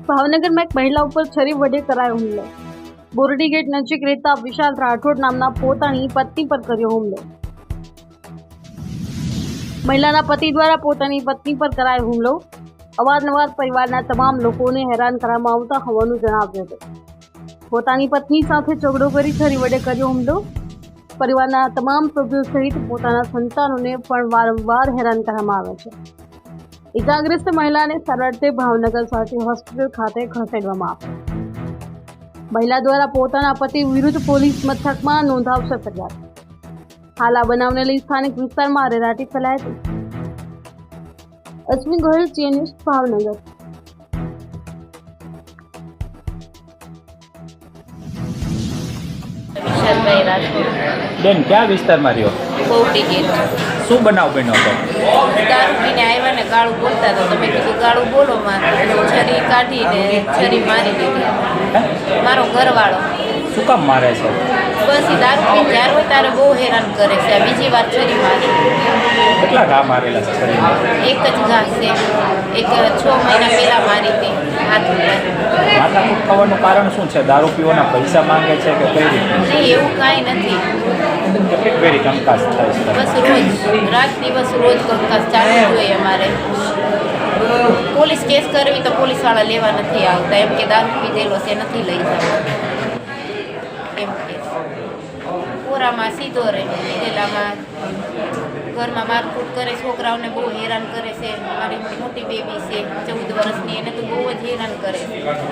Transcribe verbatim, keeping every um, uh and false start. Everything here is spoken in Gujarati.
ભાવનગરમાં એક મહિલા ઉપર છરી વડે કરાયો હુમલો। બોરડી ગેટ નજીક રહેતા વિશાલ રાઠોડ નામના પોતાની પત્ની પર કર્યો હુમલો। મહિલાના પતિ દ્વારા પોતાની પત્ની પર કરાયો હુમલો। અવારનવાર પરિવારના તમામ લોકોને હેરાન કરવામાં આવતા હોવાનું જણાવ્યું હતું। પોતાની પત્ની સાથે ઝઘડો કરી છરી વડે કર્યો હુમલો। પરિવારના તમામ સભ્યો સહિત પોતાના સંતાનોને પણ વારંવાર હેરાન કરવામાં આવે છે। ઇજાગ્રસ્ત મહિલાને સારવાર ભાવનગર સાથે હોસ્પિટલ ખાતે ખસેડવામાં આવી। મહિલા દ્વારા પોતાના પતિ વિરુદ્ધ પોલીસ મથકમાં નોંધાવશે ફરિયાદ। હાલ આ બનાવને લઈ સ્થાનિક વિસ્તારમાં અરેરાટી ફેલાઈ હતી। અશ્વિન ગોહિલ, જી ન્યૂઝ, ભાવનગર। વિશાલભાઈ રાઠોડ બેન ક્યાં વિસ્તારમાં રહ્યો? બોરડી ગેટ। શું બનાવ બન્યો હતો? દારૂ પીને આવ્યા ને ગાળું બોલતા હતા તો મેં કીધું ગાળું બોલો માં, છરી કાઢીને છરી મારી દીધી। મારો ઘરવાળો શું કામ મારે છે? બસ એ દારૂ પીને જ્યારે હોય ત્યારે બહુ હેરાન કરે છે। આ બીજી વાર છરી મારી। કેટલા ઘા મારેલા છે શરીરમાં? એક જ ઘા છે, એક છ મહિના પહેલા મારી હતી હાથ ઉપર। માથાકૂટ થવાનું કારણ શું છે? દારૂ પીવાના પૈસા માંગે છે કે કઈ રીતે? નહીં, એવું કાંઈ નથી। કેટલીક વેરી કંકાસ થાય છે? બસ રોજ રાત દિવસ રોજ કંકાસ ચાલુ જોઈએ અમારે। પોલીસ કેસ કરવી તો પોલીસવાળા લેવા નથી આવતા, એમ કે દારૂ પીધેલો છે નથી લઈ જવા, એમ કે પૂરામાં સીધો રહે, પીધેલામાં ઘરમાં મારકૂટ કરે, છોકરાઓને બહુ હેરાન કરે છે। મારી મોટી બેબી છે ચૌદ વર્ષની, એને તો બહુ જ હેરાન કરે છે।